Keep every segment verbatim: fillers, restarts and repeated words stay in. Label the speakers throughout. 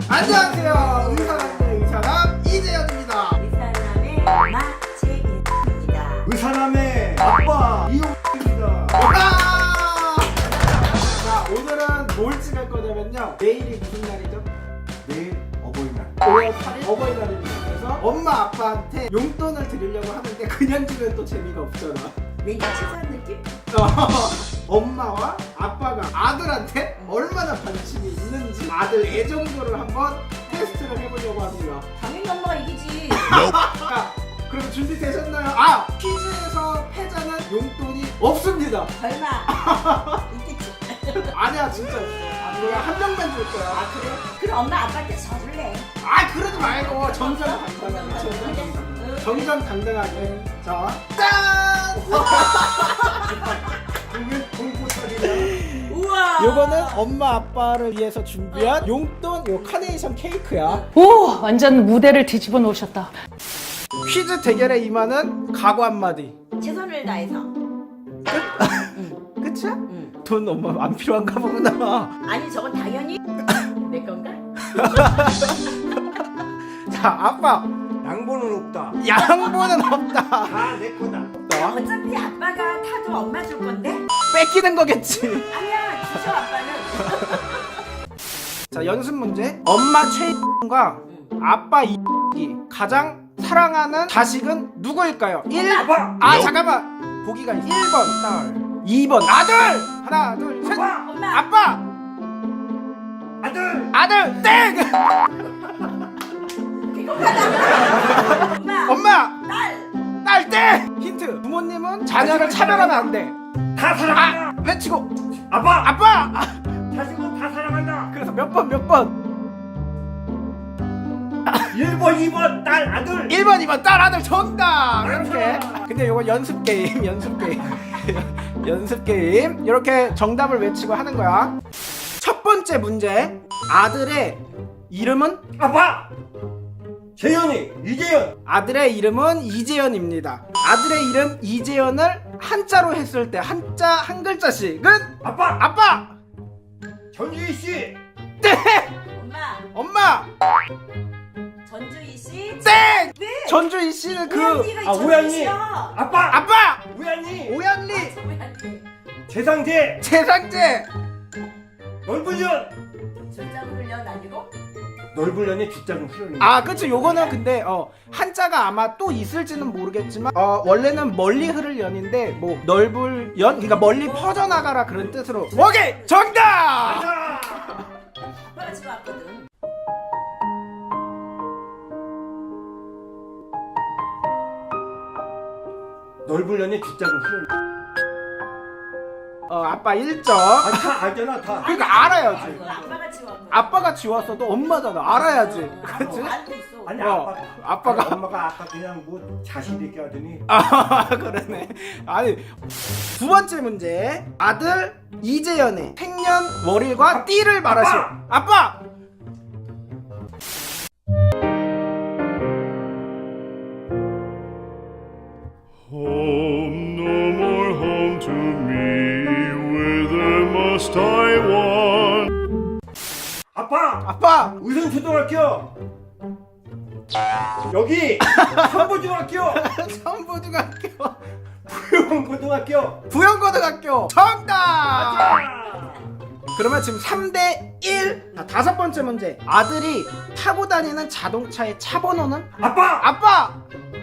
Speaker 1: 안녕하세요. 의사남의 의사남 이재현입니다.
Speaker 2: 의사남의 엄마 최인입니다.
Speaker 3: 의사남의 아빠 이용입니다.
Speaker 1: 자, 오늘은 뭘 찍을 거냐면요. 내일이 무슨 날이죠?
Speaker 3: 내일 어버이날.
Speaker 1: 오월 팔일 어버이날입니다. 그래서 엄마 아빠한테 용돈을 드리려고 하는데 그냥 주면 또 재미가 없잖아.
Speaker 2: 내가 치사한 느낌?
Speaker 1: 엄마와 아빠가 아들한테 얼마나 관심이 있는지 아들 애정도를 한번 테스트를 해보려고 합니다.
Speaker 2: 당연히 엄마가 이기지.
Speaker 1: 자, 그럼 준비되셨나요? 아! 퀴즈에서 패자는 용돈이 없습니다.
Speaker 2: 설마 있겠지?
Speaker 1: 아니야, 진짜 없어. 아, 그냥 한 명만 줄 거야.
Speaker 2: 아 그래? 그럼 엄마 아빠한테 져줄래?
Speaker 1: 아, 그러지 말고 정정당당하게. 정정당당하게. 자, 짠!
Speaker 3: 왜 공포살이냐?
Speaker 2: 우와.
Speaker 1: 요거는 엄마 아빠를 위해서 준비한 용돈 요 카네이션 케이크야.
Speaker 4: 오, 완전 무대를 뒤집어 놓으셨다.
Speaker 1: 퀴즈 대결에 임하는 각오 한마디.
Speaker 2: 최선을 다해서.
Speaker 1: 끝이야?
Speaker 2: 응.
Speaker 1: 돈 엄마 안 필요한가 보구나.
Speaker 2: 아니 저건 당연히 내 건가?
Speaker 1: 자, 아빠
Speaker 3: 양보는 없다.
Speaker 1: 양보는 없다.
Speaker 3: 다 내 거다.
Speaker 1: 없다.
Speaker 2: 어차피 아빠가 타도 엄마 줄 건데?
Speaker 1: 뺏기는 거겠지.
Speaker 2: 아니야 주셔 아빠는.
Speaker 1: 자, 연습 문제. 엄마 최과 아빠 이 가장 사랑하는 자식은 누구일까요? 일
Speaker 3: 아빠.
Speaker 1: 아 잠깐만. 보기가 일 번 딸, 이 번 아들. 하나 둘 셋.
Speaker 3: 아빠.
Speaker 2: 엄마.
Speaker 1: 아빠
Speaker 3: 아들.
Speaker 1: 아들 땡.
Speaker 2: 비겁하다. 엄마.
Speaker 1: 엄마
Speaker 2: 딸.
Speaker 1: 딸 땡. 힌트. 부모님은 자녀를 차별하면 안 돼.
Speaker 3: 다
Speaker 1: 아
Speaker 3: 사랑한다.
Speaker 1: 외치고
Speaker 3: 아빠.
Speaker 1: 아빠. 아,
Speaker 3: 자식은 다 사랑한다.
Speaker 1: 그래서 몇 번 몇 번.
Speaker 3: 일 번, 이 번 딸, 아들.
Speaker 1: 일 번 이 번 딸 아들 정답. 이렇게. 근데 이거 연습 게임 연습 게임 연습 게임 이렇게 정답을 외치고 하는 거야. 첫 번째 문제. 아들의 이름은?
Speaker 3: 아빠. 재현이, 이재현.
Speaker 1: 아들의 이름은 이재현입니다. 아들의 이름 이재현을 한자로 했을 때 한자 한 글자씩은?
Speaker 3: 아빠.
Speaker 1: 아빠.
Speaker 3: 전주희 씨.
Speaker 1: 땡.
Speaker 2: 엄마.
Speaker 1: 엄마.
Speaker 2: 전주희 씨.
Speaker 1: 땡.
Speaker 2: 왜?
Speaker 1: 전주희 씨는 그
Speaker 2: 오양리가
Speaker 3: 아,
Speaker 2: 전주희
Speaker 3: 오양리.
Speaker 2: 씨야.
Speaker 3: 아빠.
Speaker 1: 아빠.
Speaker 3: 우연히.
Speaker 1: 오연리.
Speaker 2: 오양리.
Speaker 3: 재상제.
Speaker 1: 재상제.
Speaker 3: 넓은 년.
Speaker 2: 전자고 훈련 아니고?
Speaker 3: 넓은 년의 뒷장은 풀어내.
Speaker 1: 아, 그쵸. 요거는 근데 어 한자가 아마 또 있을지는 모르겠지만 어 원래는 멀리 흐를 연인데 뭐 넓을 연, 그러니까 멀리 퍼져나가라 그런 뜻으로. 오케이, 정답.
Speaker 3: 가자.
Speaker 2: 아빠가 지금 왔거든.
Speaker 3: 넓은 년의 뒷장은 풀어내.
Speaker 1: 어 아빠 일 점.
Speaker 3: 아, 다 알잖아, 다.
Speaker 1: 그러니까 알아야지.
Speaker 2: 아이고, 아빠가 지금 왔거든.
Speaker 1: 아빠가 지웠어도 엄마잖아. 알아야지. 그렇지?
Speaker 2: 알고 있어.
Speaker 3: 아니,
Speaker 1: 어,
Speaker 3: 아빠.
Speaker 1: 아빠가-
Speaker 3: 엄마가 아까 그냥 뭐 자식 있게 하더니.
Speaker 1: 아, 그러네. 아니, 두 번째 문제. 아들 이재현의 생년월일과 띠를 말하시오. 아빠.
Speaker 5: Home, no more home to me, whither must I want?
Speaker 3: 아빠!
Speaker 1: 아빠.
Speaker 3: 의성초등학교! 여기! 선보중학교!
Speaker 1: 선보중학교.
Speaker 3: 부용고등학교!
Speaker 1: 부영고등학교. 정답.
Speaker 3: 아!
Speaker 1: 그러면 지금 삼 대 일. 자, 다섯 번째 문제. 아들이 타고 다니는 자동차의 차 번호는?
Speaker 3: 아빠!
Speaker 1: 아빠.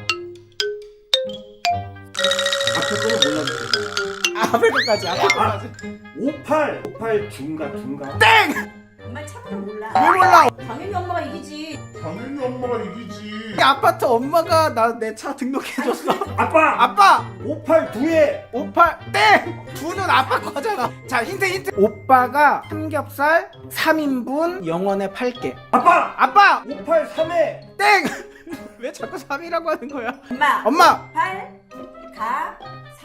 Speaker 3: 앞에 거는 몰라도
Speaker 1: 앞에 것까지. 앞에 것까지.
Speaker 3: 오팔! 오팔 중가 중가
Speaker 1: 땡.
Speaker 2: 엄마 참으로 몰라.
Speaker 1: 왜 몰라?
Speaker 2: 당연히 엄마가 이기지.
Speaker 5: 당연히 엄마가 이기지.
Speaker 1: 이 아파트 엄마가 나 내 차 등록해줬어.
Speaker 3: 아빠!
Speaker 1: 아빠.
Speaker 3: 오팔 두에
Speaker 1: 오빠 땡! 두는 아빠 거잖아. 자, 힌트 힌트. 오빠가 삼겹살 삼 인분 영원에 팔게.
Speaker 3: 아빠!
Speaker 1: 아빠
Speaker 3: 오팔 삼에
Speaker 1: 땡! 왜 자꾸 삼이라고 하는 거야?
Speaker 2: 엄마.
Speaker 1: 엄마
Speaker 2: 팔. 가.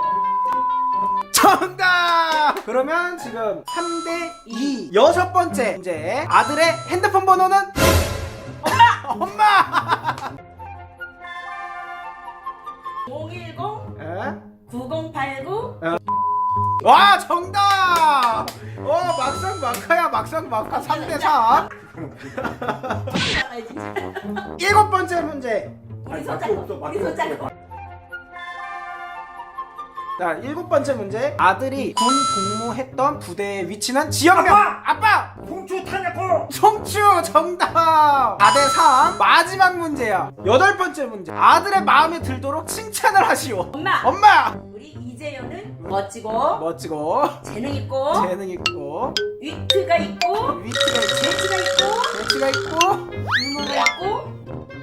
Speaker 1: 정답! 그러면 지금 삼 대 이. 여섯 번째 문제. 아들의 핸드폰 번호는? 엄마! 엄마!
Speaker 2: 공일공
Speaker 1: 에?
Speaker 2: 구공팔구
Speaker 1: 와, 정답! 어, 막상 막하야, 막상 막하. 삼 대 사.
Speaker 2: 나가야지.
Speaker 1: 일곱 번째 문제.
Speaker 2: 우리
Speaker 3: 아니,
Speaker 2: 손잡고.
Speaker 3: 맞고 없어,
Speaker 2: 우리
Speaker 3: 맞고
Speaker 2: 손잡고.
Speaker 3: 없어.
Speaker 1: 자, 일곱 번째 문제. 아들이 군 복무했던 부대의 위치는 지역명.
Speaker 3: 아빠!
Speaker 1: 아빠!
Speaker 3: 홍초 탄약고.
Speaker 1: 송추 정답. 사 대 삼. 마지막 문제야. 여덟 번째 문제. 아들의 마음에 들도록 칭찬을 하시오.
Speaker 2: 엄마.
Speaker 1: 엄마.
Speaker 2: 우리 이재현은 멋지고
Speaker 1: 멋지고
Speaker 2: 재능 있고
Speaker 1: 재능 있고
Speaker 2: 위트가 있고
Speaker 1: 위트가 있고
Speaker 2: 재치가 있고
Speaker 1: 재치가 있고.
Speaker 2: 유머가 있고.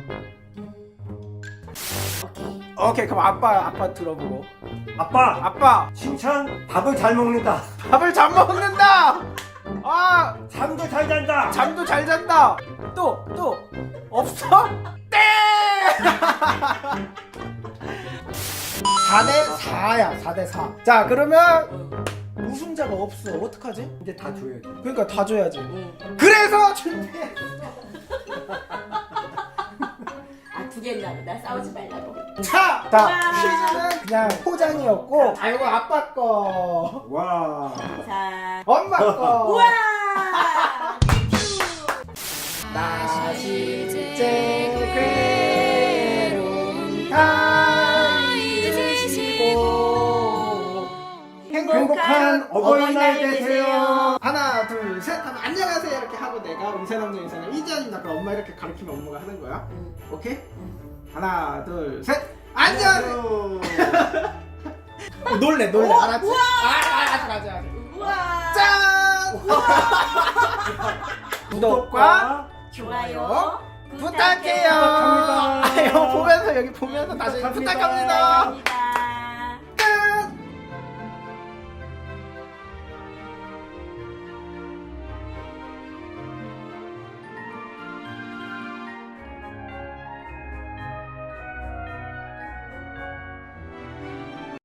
Speaker 2: 오케이.
Speaker 1: 오케이, 그럼 아빠 아빠 들어보고.
Speaker 3: 아빠.
Speaker 1: 아빠
Speaker 3: 칭찬. 밥을 잘 먹는다.
Speaker 1: 밥을 잘 먹는다. 아,
Speaker 3: 잠도 잘 잔다.
Speaker 1: 잠도 잘 잔다. 또 또 없어? 땡! 사 대 사야. 사 대 사. 자, 그러면 우승자가 없어. 어떡하지?
Speaker 3: 이제 다 줘야지.
Speaker 1: 그러니까 다 줘야지.
Speaker 2: 응.
Speaker 1: 그래서 준비해.
Speaker 2: 아두 개나 보다 싸우지 말라고.
Speaker 1: 자, 자,
Speaker 2: 와.
Speaker 1: 퀴즈는 그냥 포장이었고, 아, 이거 아빠 거,
Speaker 3: 와.
Speaker 2: 자.
Speaker 1: 엄마 거.
Speaker 2: 우와.
Speaker 1: 다시 이제 괴로움 다 잊으시고
Speaker 3: 행복한 어버이날 되세요.
Speaker 1: 하나 둘 셋 하면 안녕하세요 이렇게 하고 내가 음세남자 인사는 이지연입니다. 그럼 엄마 이렇게 가르치면 엄마가 하는 거야.
Speaker 2: 응.
Speaker 1: 오케이? 하나 둘 셋 안녕하세요. 어, 놀래 놀래
Speaker 2: 오,
Speaker 1: 알았지?
Speaker 2: 우와.
Speaker 1: 아, 아, 아직 아직 아직.
Speaker 2: 우와.
Speaker 1: 짠! 구독과
Speaker 2: 좋아요.
Speaker 1: 부탁해요.
Speaker 3: 부탁합니다.
Speaker 1: 아, 이거 보면서 여기 보면서 다시
Speaker 3: 부탁합니다.
Speaker 1: 부탁합니다.
Speaker 2: 부탁합니다.